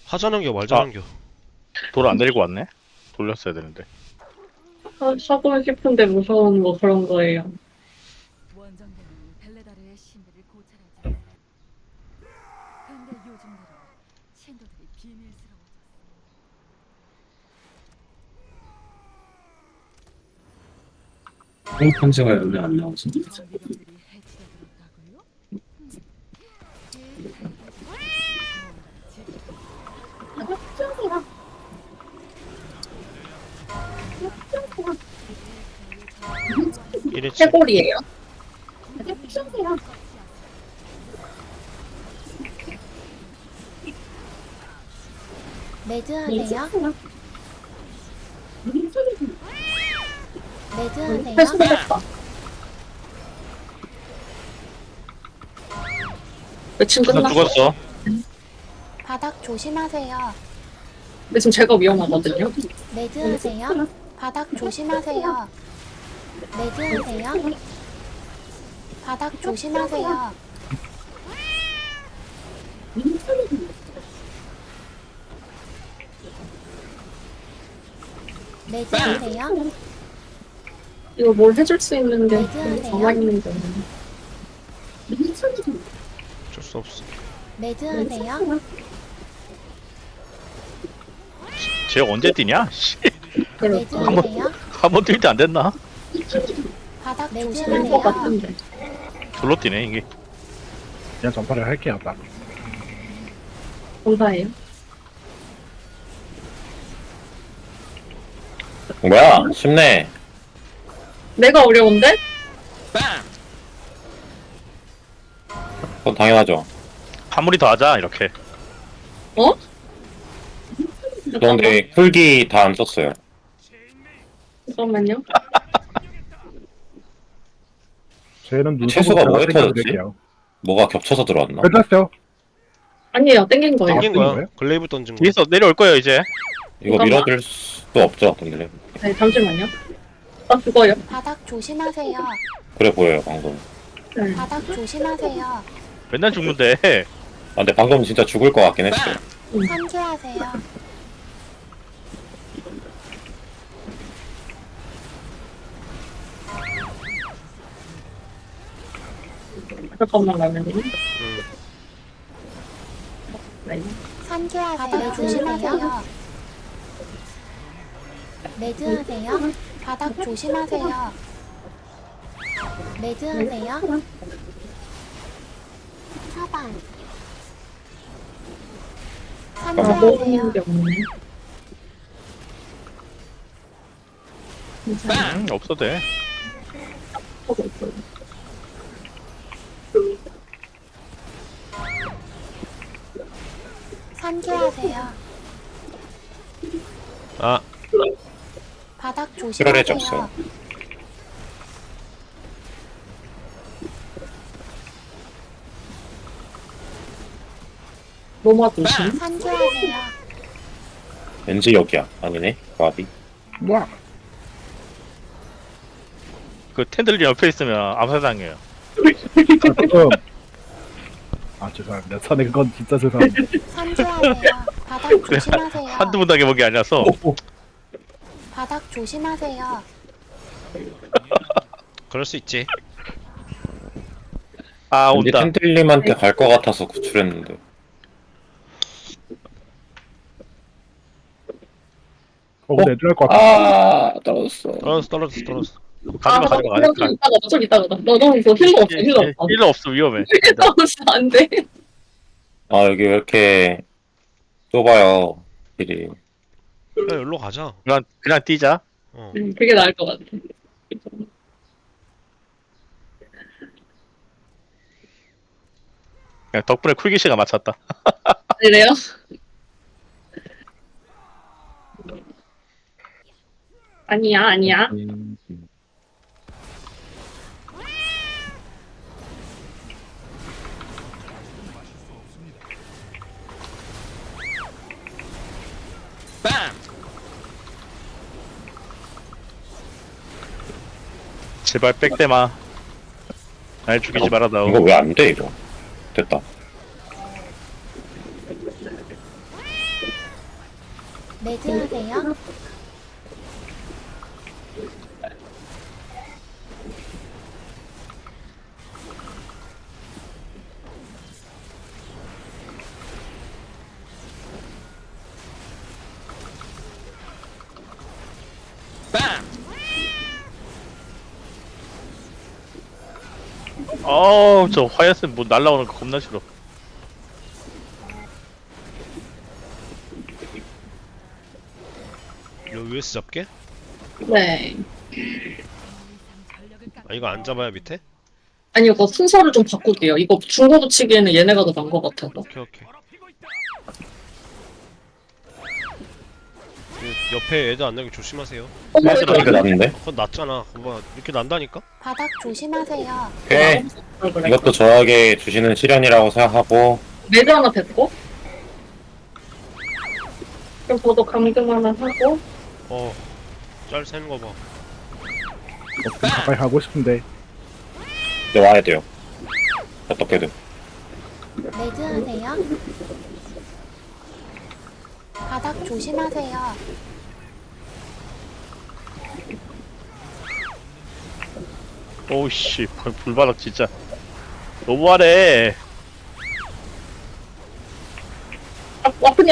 하자는겨 말자는겨. 돌 안 데리고 왔네? 돌렸어야 되는데. 하고 싶은데 무서운 뭐 그런 거예요. 원정대는 벨레다르의 신들을 고찰하지. 근데 요즘 들어 신도들이 비밀스러워졌어. 편지가 여기 안 나오지. 정비병들이 해치려 들었다고요? 이랬지. 해골이에요. 매드하세요? 매드하세요? 회수됐다. 매칭 나 끝났어. 죽었어. 바닥 조심하세요. 근데 지금 제가 위험하거든요. 매드하세요? 바닥 조심하세요. 매드하세요? 바닥 조심하세요. 매드하세요? 이거 뭘 해줄 수 있는 게 매드하세요? 가만히 있는 게 어쩔 수 없어. 매드하세요? 쟤 언제 뛰냐? 씨. 매드하세요? 한 번 뛸 때 안 됐나? 바닥 것 조심하세요. 같은데. 졸로 뛰네 이게. 그냥 전파를 할게요, 아까. 감사해요. 뭐야? 쉽네. 내가 어려운데? 그건 당연하죠. 한 무리 더 하자 이렇게. 어? 그런데 풀기 다 안 썼어요. 잠깐만요. 쟤는 눈썹으로 채수가 제가 뭐에 터졌지? 땡겨드릴게요. 뭐가 겹쳐서 들어왔나? 끝났어요. 아니에요. 땡긴 거예요. 땡긴 뜬 거야. 거예요? 글레이브 던진 거. 뒤에서 내려올 거예요 이제. 이거 밀어줄 수도 없죠, 근데. 네, 잠시만요. 나 죽어요. 바닥 조심하세요. 그래 보여요, 방금. 네. 바닥 조심하세요. 맨날 죽는데. 아, 근데 방금 진짜 죽을 것 같긴 했어요. 산수하세요. 잠깐만 가면 네. 산수하세요. 바닥 조심하세요. 매드하세요. 바닥 조심하세요. 매드하세요. 차단. 아, 산수하세요. 모으는 게 없네. 없어도 돼. 하고 있어요. 산수하세요. 아, 바닥 실어내지 조심하세요. 없어요. 로마 도시. 산수하세요. 왠지 여기야. 아니네. 와비. 뭐야? 그 텐들리 옆에 있으면 암살당해요. 지금. 아, 죄송합니다. 선에 그건 진짜 죄송합니다. 산수하세요. 바닥 조심하세요. 한두 번 당해본 게 아니라서. 바닥 조심하세요. 그럴 수 있지. 아 왠지 온다. 텐틀님한테 갈 것 같아서 구출했는데. 근데 애들 할것 같아. 아, 떨어졌어. 떨어졌어. 가지마 가지마 좀 가지마. 이따가 좀 이따가. 너 너무 힐러 없어. 힐러 없어. 힐러 없어 위험해. 힐러 없어. 안 돼. 아, 여기 왜 이렇게 좁아요, 길이. 야, 여기로 가자. 그냥 뛰자. 어. 그게 나을 것 같아. 그냥 덕분에 쿨기시가 맞췄다. 그래요? 아니야. 제발 빽대마. 날 죽이지 말아다오. 이거 왜 안 돼, 이거? 됐다. 매드하세요. 어우, 저 화야스 뭐 날라오는 거 겁나 싫어. 이거 US 잡게? 네. 전력을 깎 아 이거 안 잡아야 밑에? 아니, 이거 순서를 좀 바꿀게요. 이거 중고 붙이기에는 얘네가 더 나은 것 같아서. 오케이 오케이. 그 옆에 애들 안 나게 조심하세요. 어머, 사실 이게 낫는데? 그건 낫잖아. 그거 이렇게 난다니까? 바닥 조심하세요. 오케이. 그래. 이것도 저에게 주시는 시련이라고 생각하고 매드 하나 뱉고. 그럼 저도 감금 하나 하고. 짤 새는 거 봐. 가까이 가고 싶은데 이제 와야 돼요. 어떻게든. 매드하세요. 바닥 조심하세요. 오우씨, 불바닥 진짜. 너무하네. 아프니.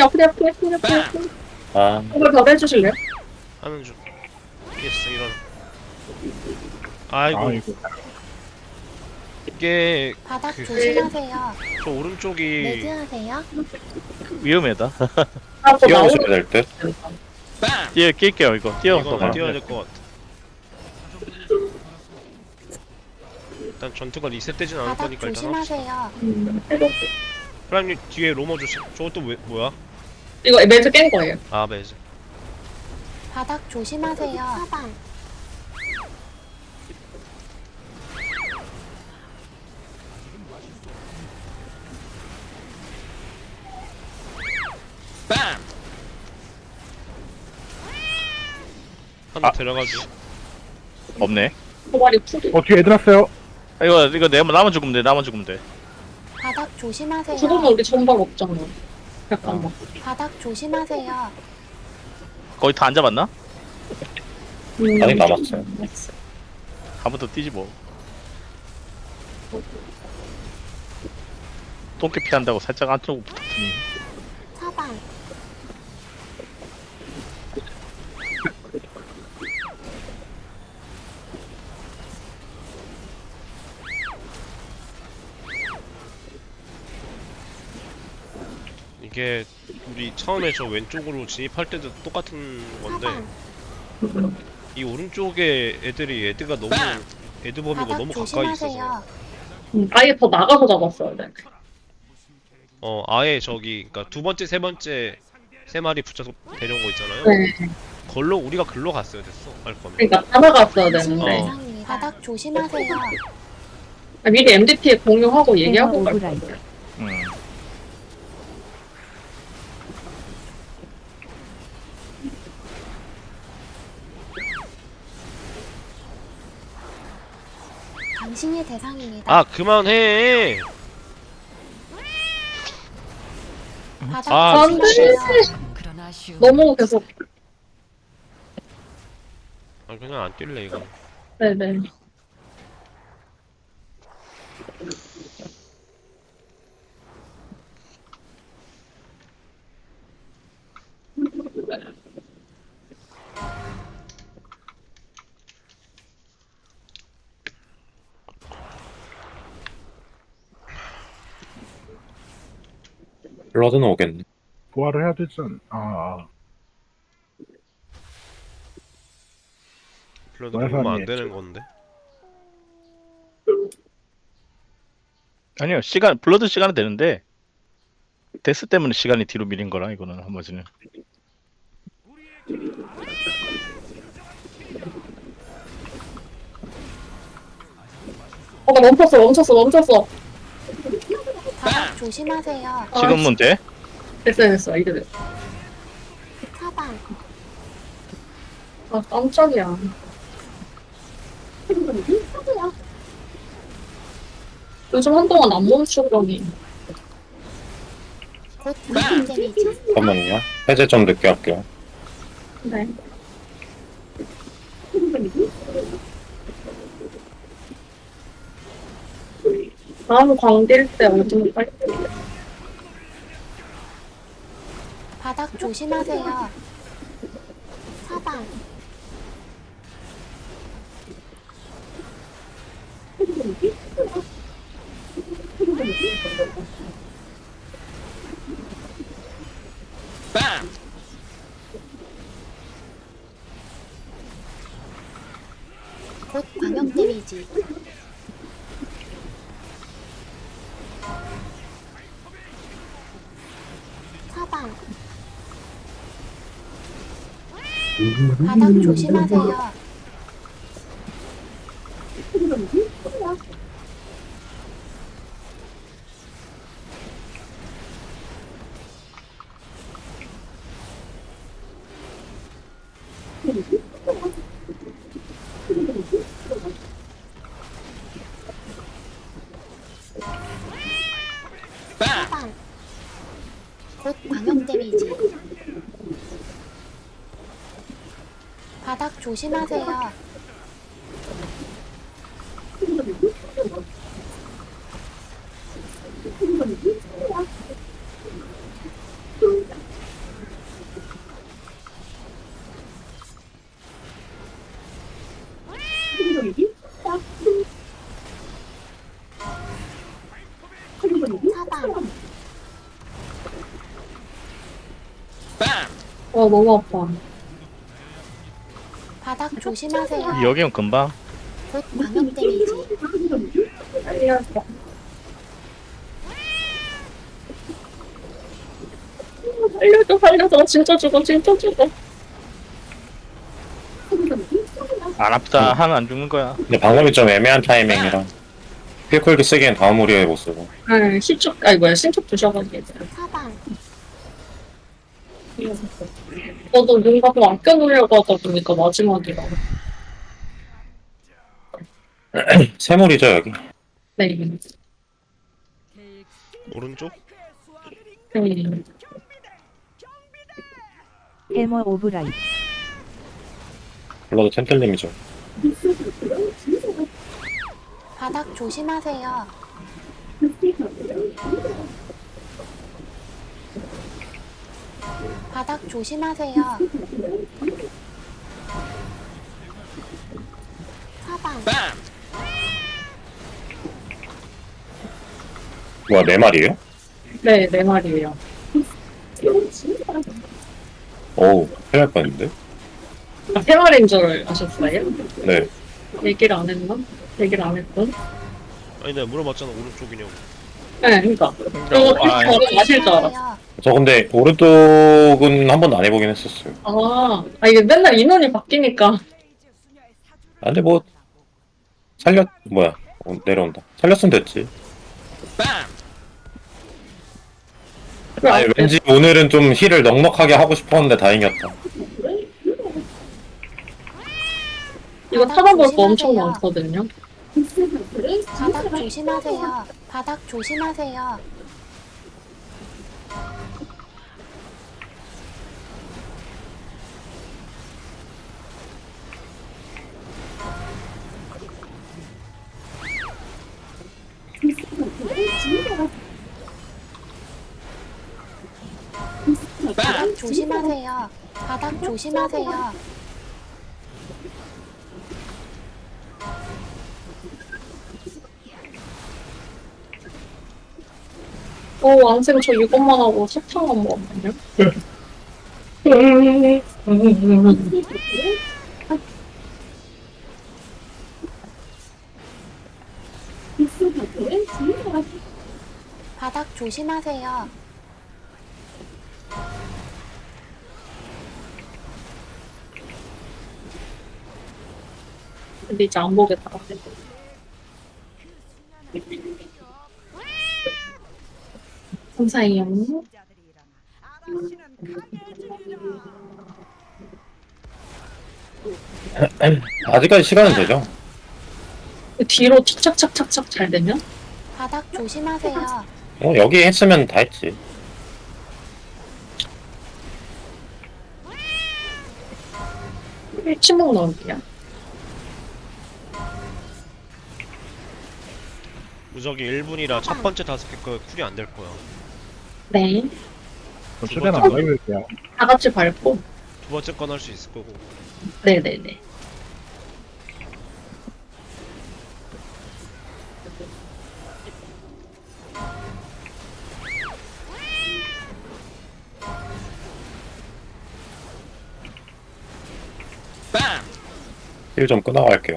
아, 한번 더 해주실래요? 하는 중. 예스 일어나. 아이고 아이고 이게 바닥 그- 조심하세요. 저 오른쪽이 매드하세요. 위험하다. 아, 저 뛰어오셔야 될 듯. 낄게요, 이거. 뛰어서 이건 가. 뛰어야 될 것 같아. 일단 전투가 리셋되진 않을 바닥 거니까 일단 합시다. 조심하세요. 해볼게요. 프라임님 뒤에 로머 조심. 저것도 뭐야? 이거 매드 깬 거예요. 아 매즈. 바닥 조심하세요. 사방. 하나 데려가지. 없네. 도발이 풀이. 뒤에 애들 왔어요. 이거 나만 죽으면 돼, 나만 죽으면 돼. 바닥 조심하세요. 죽으면 우리 전발 없잖아. 잠깐만. 바닥 조심하세요. 거의 다 안 잡았나? 아직 남았어요. 한 번 더 뛰지 뭐. 똥개 피한다고 살짝 안쪽으로 붙었더니. 사방. 이게 우리 처음에 저 왼쪽으로 진입할 때도 똑같은 건데 사방. 이 오른쪽에 애들이 애드가 너무 애드 범위가 바닥 너무 가까이 있어서 조심하세요. 아예 더 나가서 잡았어야 돼. 아예 저기 그러니까 두 번째 세 번째 세 마리 붙여서 데려온 거 있잖아요. 네. 걸로 우리가 글로 갔어야 됐어 할 거면. 그러니까 다 나갔어야 당신이 되는데. 대상입니다. 바닥 조심하세요. 아, 미리 MDT에 공유하고 얘기하고 갈 거예요. 음. 당신이 대상입니다. 아 그만해. 바닥 아, 안 돼. 조심하세요. 그런 아쉬움. 너무 계속. 아 그냥 안 뛸래 이거. 네네. 블러드는 오겠네. 부활을 해야 되지 않... 별로 말도 보면 안 안 돼. 되는 건데. 아니요, 블러드 시간은 되는데, 데스 때문에 시간이 뒤로 밀린 거라, 이거는, 한 번쯤은. 나 멈췄어. 바닥 조심하세요. 지금은 돼? 됐어. 이제 됐어. 사방. 아, 깜짝이야. 요즘 한동안 안 멈추더니. 곧 무슨 데미지. 잠깐만요. 해제 좀 늦게 할게요. 네. 다음 광딜 때 어디로 갈게요? 바닥 조심하세요. 사방. 곧 광역 데미지. 사방. 바닥 조심하세요. 사방. 곧 광역 데미지. 바닥 조심하세요. 사방. 너무 아파. 바닥 조심하세요. 여기는 금방. 곧 광역 데미지. 살려줘. 살려줘, 살려줘. 진짜 죽어, 진짜 죽어. 안 아프다. 하면 안 죽는 거야. 근데 방금이 좀 애매한 타이밍이라 필콜기 쓰기엔 다음 우리에 못 쓰고. 네, 신축, 아니 뭐야, 신축 주셔가지고. 사방. 저도 뭔가 좀 아껴놓으려고 하다 보니까 마지막이라. 세물이죠 여기. 네. 오른쪽? 네. 해머 오브라이. 블러드 템틀님이죠. 바닥 조심하세요. 바닥 조심하세요. 사방. 뭐야 네 마리예요? 네, 네 마리예요. 어우 큰일 날 뻔했는데. 아, 세 마리인 줄 아셨어요? 네. 얘기를 안 했나? 얘기를 안 했던? 아니 내가 물어봤잖아 오른쪽이냐고. 네, 그니까. 저거 아, 바로 아실 줄 알았어. 조심하세요. 저 근데 오른쪽은 한 번도 안 해보긴 했었어요. 이게 맨날 인원이 바뀌니까. 아, 근데 뭐 뭐야 내려온다. 살렸으면 됐지. 아니 왠지 오늘은 좀 힐을 넉넉하게 하고 싶었는데 다행이었다. 이거 찾아볼 거 엄청 많거든요. 바닥 조심하세요. 바닥 조심하세요. 바닥 조심하세요. 바닥 조심하세요. 왕생 저 이것만 하고 석탄 안 먹었거든요. 바닥 조심하세요. 근데 이제 안 보겠다. 감사해요. 아직까지 시간은 되죠. 뒤로 착착착착착 잘 되면? 바닥 조심하세요. 여기 했으면 다 했지. 침묵 넣을게요. 무적이 1분이라 첫 번째 5개 거 쿨이 안 될 거야. 네. 저 최대한 안 가입을게요. 다 같이 밟고. 두 번째 건 할 수 있을 거고. 네네네. 힐 좀 끊어갈게요.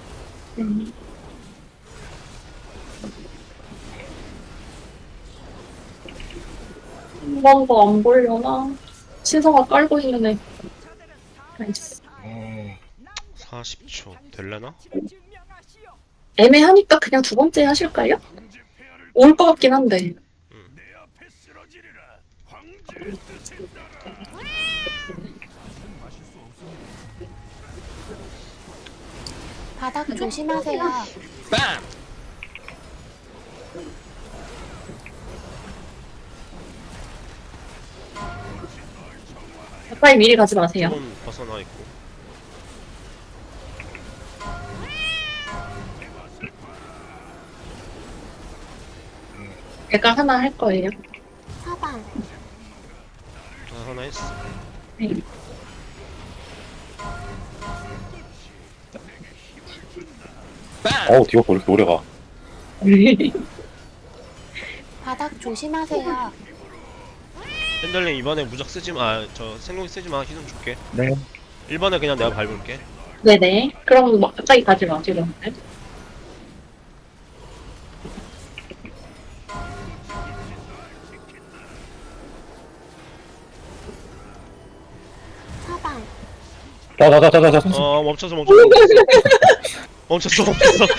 한 번 더 안 보려나? 신성아 깔고 있는 애. 나이스. 40초 될래나? 애매하니까 그냥 두 번째 하실까요? 올 것 같긴 한데. 바닥 조심하세요. 가까이 미리 가지 마세요. 조금 벗어나 있고. 제가 하나 할 거예요. 사방. 하나 했어. 네. 어우, 디오프 왜 이렇게 오래 가? 바닥 조심하세요. 팬들님 이번에 무적 쓰지 마. 저 생존기 쓰지 마. 희생 줄게. 네. 1번에 그냥 내가 밟을게. 네네. 그럼 뭐 가까이 가지 마시고. 사방. 자자자자자. 멈췄어. 멈췄어.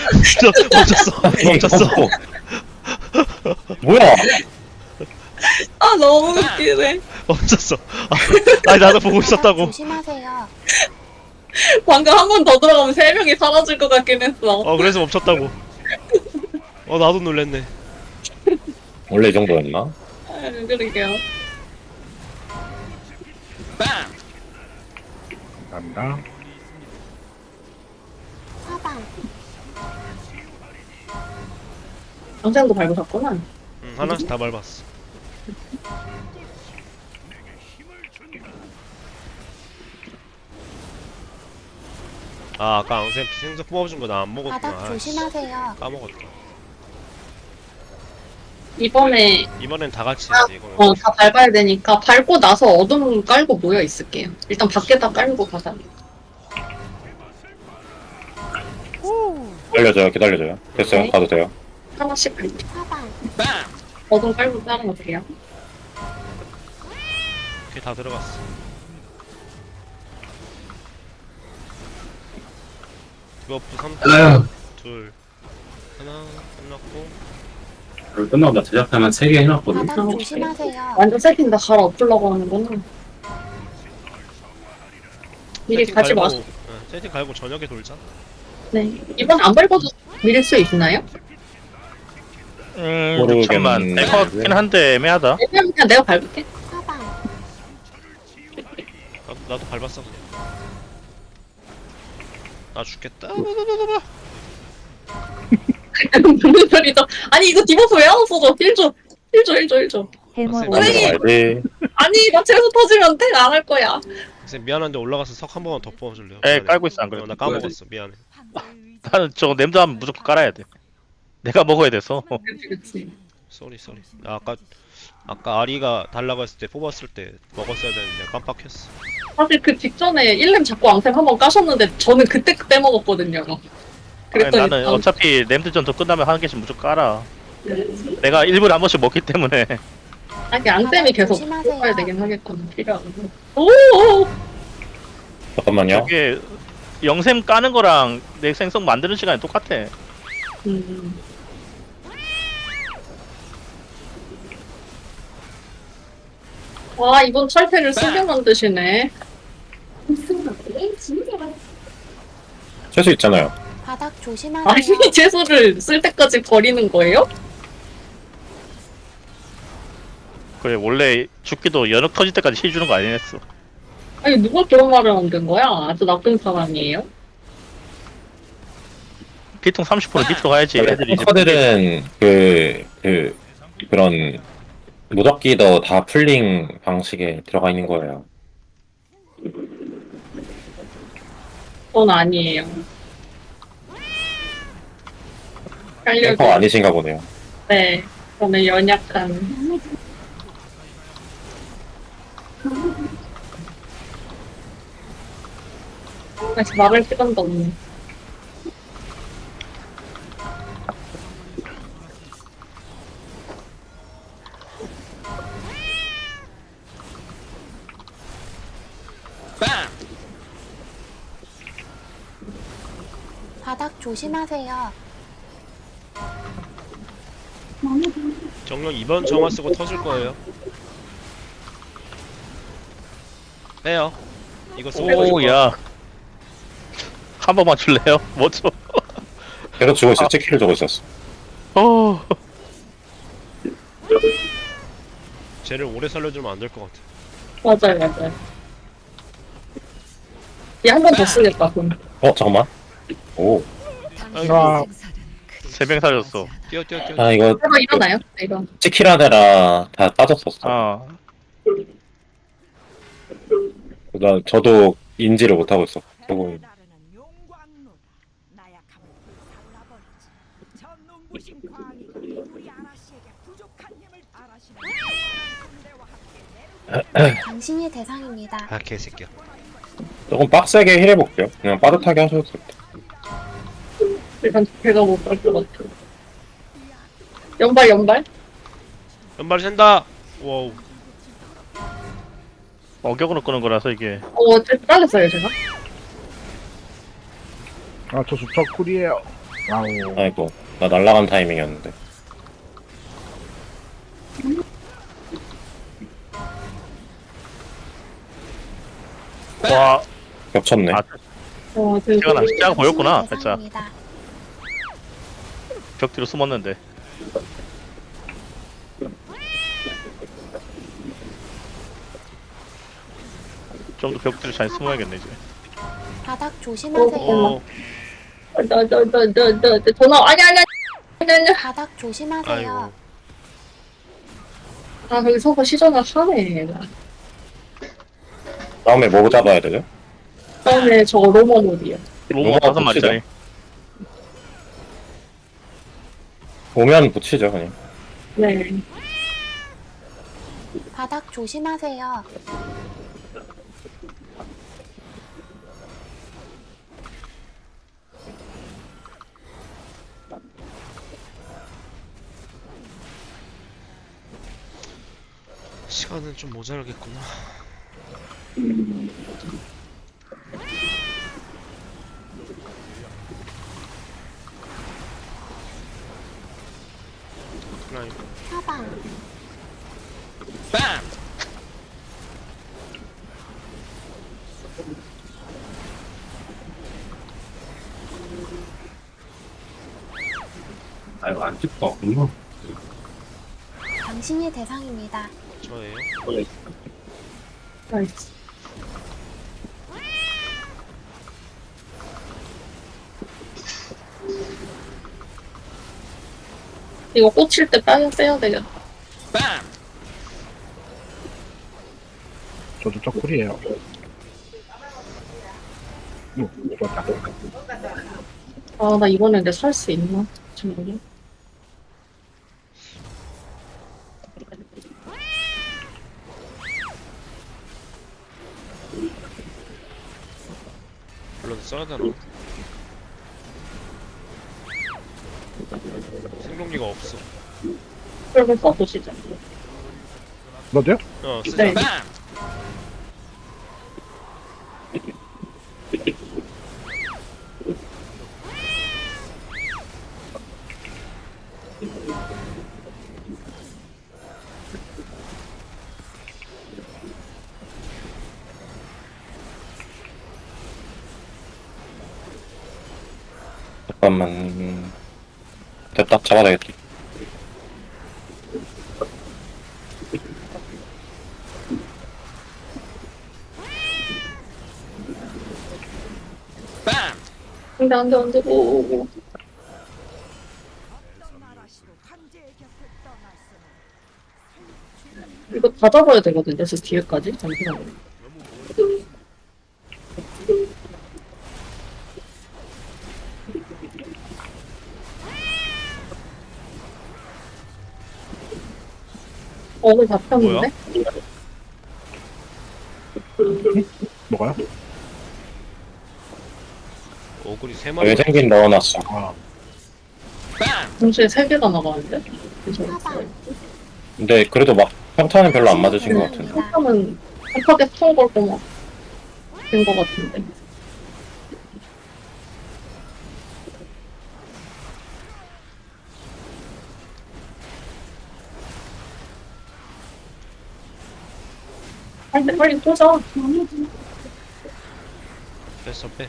뭐야? 아 너무 웃기네. 멈췄어. 아니 나도 보고 바닥 있었다고. 조심하세요. 방금 한 번 더 들어가면 3명이 사라질 것 같긴 했어. 그래서 멈췄다고. 나도 놀랬네. 원래 이 정도였나? 아, 그러게요. 감사합니다. 사방. 영생도 밟으셨구나. 하나씩 다 밟았어. 아까 앙쌤 생석 뽑아준 거 나 안 먹었구나. 바닥 조심하세요. 까먹었다. 이번엔 다 같이 해야지 이거는. 다 밟아야 되니까 밟고 나서 어둠 깔고 모여 있을게요. 일단 밖에다 깔고 가자. 기다려줘요. 됐어요. 네. 가도 돼요. 하나씩 밟고. 사방. 어둠 깔고 따는 거 돼요. 오케이 다 들어갔어. 디버프 3, 2, 하나 끝났고. 끝나고 나 제작하면 3개 해놨거든. 바닥 조심하세요. 완전 세팅 다 갈아엎으려고 하는구나. 미리 세팅 가지 갈고, 마세요. 세팅 갈고 저녁에 돌자. 네. 이번 안 밟아도 밀릴 수 있나요? 모르겠는데. 6천만. 될 것 같긴 한데 애매하다. 왜냐면 그냥 내가 밟을게. 사방. 나도 밟았어 그냥. 나 죽겠다. 무슨 소리죠? 아니 이거 디버프 왜 안 없어져? 1조. 쌤, 가야지. 아니 나 채소 터지면 돼? 안 할 거야. 쌤 미안한데 올라가서 석 한 번만 더 뽑아줄래요? 에 미안해. 깔고 있어 안 그래? 나 까먹었어. 미안해. 나는 저거 냄새 하면 무조건 깔아야 돼. 내가 먹어야 돼서. 그치. 쏘리. 아까 아리가 달라고 했을 때 뽑았을 때 먹었어야 되는데 깜빡했어. 사실 그 직전에 1렘 잡고 앙셈 한번 까셨는데 저는 그때 먹었거든요. 아니, 그랬더니 나는 어차피 냄새전도 끝나면 한 개씩 무조건 깔아. 내가 일부러 한 번씩 먹기 때문에. 아니 앙셈이 계속 조심하세요. 뽑아야 되긴 하겠구나. 필요하고. 오. 잠깐만요. 저게 영샘 까는 거랑 내 생성 만드는 시간이 똑같아. 음. 와 이번 철퇴를 쓰게 만드시네. 채수 있잖아요. 바닥 조심하세요. 아니 채소를 쓸 때까지 버리는 거예요? 그래 원래 죽기도 연옥 터질 때까지 힐 주는 거 아니었어. 아니, 누가 그런 말을 만든 거야? 아주 나쁜 사람이에요? 피통 30% 밑으로 가야지 애들이 이제 탱커들은 그런 무적기도 다 풀링 방식에 들어가 있는 거예요. 그건 아니에요. 알려줘. 탱커 아니신가 보네요. 네. 저는 연약한. 아직 막을 시간도 없네. 바닥 조심하세요. 정령 2번 정화 쓰고 터질 거예요. 빼요. 이거 쓰고 터질 거야. 오야 한 번만 줄래요? 뭐죠? 계속 주고 있어. 체키를 주고 있었어. 쟤를 오래 살려주면 안 될 것 같아. 맞아요, 맞아요. 얘 한 번 더 쓰겠다, 그럼. 잠깐만. 오. 당신의 아. 생사는 그리 세 명 살렸어. 뛰어. 아, 이거 바로 일어나요? 이거. 체키라데라 다 빠졌었어. 아 저도 인지를 못하고 있어. 보고. 당신이 대상입니다. 아 개새끼야. 조금 빡세게 힐해볼게요. 그냥 빠듯하게 하셔도 될 것 같아요. 일단 배가 못 갈 것 같아. 연발, 연발? 연발 샌다. 와우. 어격으로 끄는 거라서 이게 잘렸어요, 제가. 아, 저 수척 쿨이에요. 와우. 아이고, 나 날라간 타이밍이었는데. 와 겹쳤네. 아, 제가 보였구나. 당신이 살짝 대상입니다. 벽 뒤로 숨었는데. 좀 더 벽 뒤로 잘 숨어야겠네 이제. 바닥 조심하세요. 오. 전화, 아니. 바닥 조심하세요. 아이고. 아, 거기 서서 시전을 하네, 얘가. 다음에 뭐 잡아야 되죠? 다음에 저거 로머놀이요. 로마 5마리짜리. 오면 붙이죠, 그냥. 네. 바닥 조심하세요. 시간은 좀 모자라겠구나. 어떡하나 이거. 사방. 아이고, 안 찍고 왔군요. 당신이 대상입니다. 저예요. 나이스. 이거 꽂힐 때 빼야 되겠다. 저 수척 쿨이에요. 좋았다. 아, 나 이번에 내 살 수 있나? 정말. 블러드 써야 되나? 생존기가 없어. 그러면 써보시죠. 너도요? 쓰자. 네. 잠깐만. 됐다, 잡아야 되겠다. 안 돼. 오. 이거 다 잡아야 되거든요, 저 뒤에까지. 잠시만요. 오늘 잡혔는데? 뭐가요? 어글이 3마리. 외생긴 넣어놨어. 아, 동시에 3개가 나가는데? 사방. 근데 그래도 막 평타는 별로 안 맞으신 것 같은데. 한타는 한타게 통 걸고 막 된 것 같은데. 빨리 꽂아. 뺐어 빼.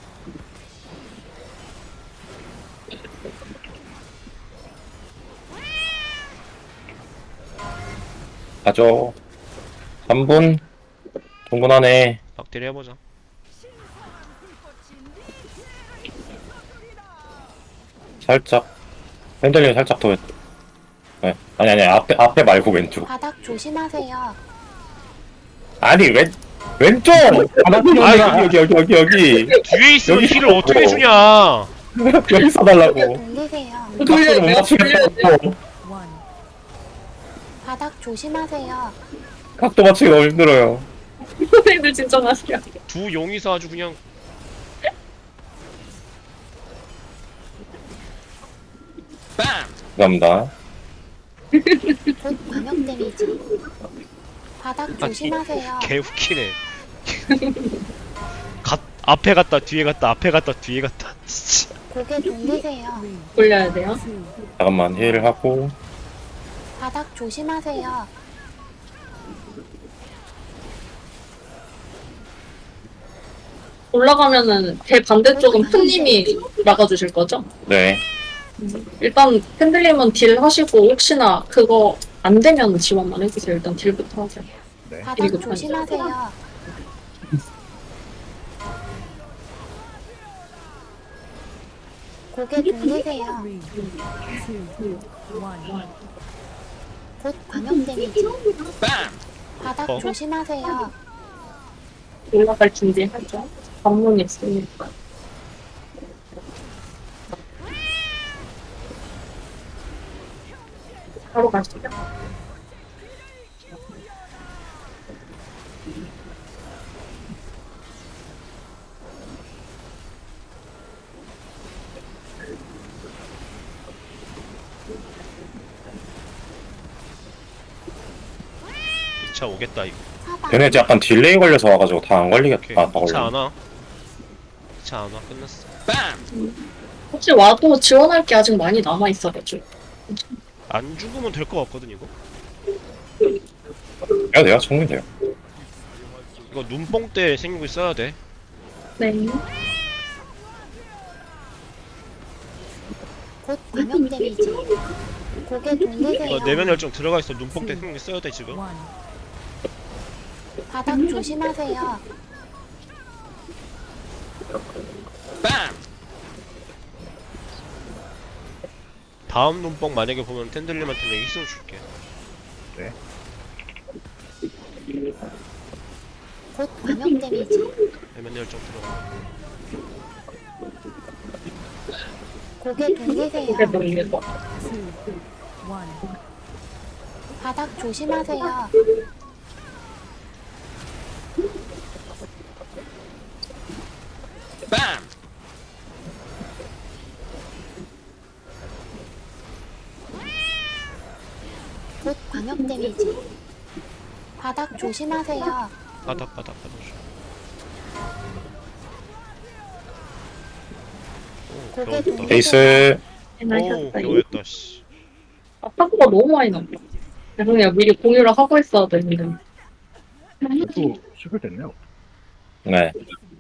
가죠. 3분? 충분하네. 박대리 해보자. 살짝. 핸들링 살짝 더. 네. 아니, 앞에 말고 왼쪽. 바닥 조심하세요. 아니, 왼쪽! 여기. 뒤에 있으면 여기 힐을 어떻게 있어. 주냐? 여기서 달라고. 돌리세요. 각도를 못 맞추겠다고. 바닥 조심하세요. 각도 맞추기 너무 힘들어요. 선생님들 진짜 맛이야. 두 용이서 아주 그냥 감사합니다. 곧 광역 데미지. 바닥 조심하세요. 개 웃기네. 앞에 갔다 뒤에 갔다 앞에 갔다 뒤에 갔다. 진짜. 고개 돌리세요. 돌려야 돼요. 잠깐만, 힐을 하고. 바닥 조심하세요. 올라가면은 대 반대쪽은 푼님이 막아주실 거죠? 네. 일단 팬들님은 딜 하시고 혹시나 그거 안 되면 지원만 해주세요. 일단 딜부터 하세요. 바닥 그리고 조심하세요. 고개 돌리세요. 곧 광역 데미지. 바닥 어? 조심하세요. 올라갈 준비하죠. 방문 있으니까. 바로 가시죠. 2차 오겠다 이거. 사방. 걔네 약간 딜레이 걸려서 와가지고 다 안 오케이. 걸리겠다. 2차 안 와. 2차 안 와. 끝났어. 혹시 와도 지원할 게 아직 많이 남아있어가지고. 안 죽으면 될 것 같거든 이거. 해야 돼요? 충분히 돼요. 이거 눈뽕 때 생기고 있어야 돼. 네. 곧 광역 데미지. 고개 돌리세요. 이거 내면 열정 들어가 있어. 눈뽕 때 생기고 있어야 돼 지금. 바닥 조심하세요. 다음 눈뽕 만약에 보면 텐들님한테 내가 희생 줄게. 곧 광역 데미지. 내면 열정 들어가. 고개 돌리세요. 그게 놀릴 거. 바닥 조심하세요. 곧 광역 데미지. 바닥 조심하세요. 바닥 줘. 오, 고개 겨웠다. 돌리세요. 베이스. 오, 해나셨다. 겨웠다 씨. 아, 파쿠가 너무 많이 났다. 죄송해요. 미리 공유를 하고 있어야 되는데. 또 시글 됐네요. 네.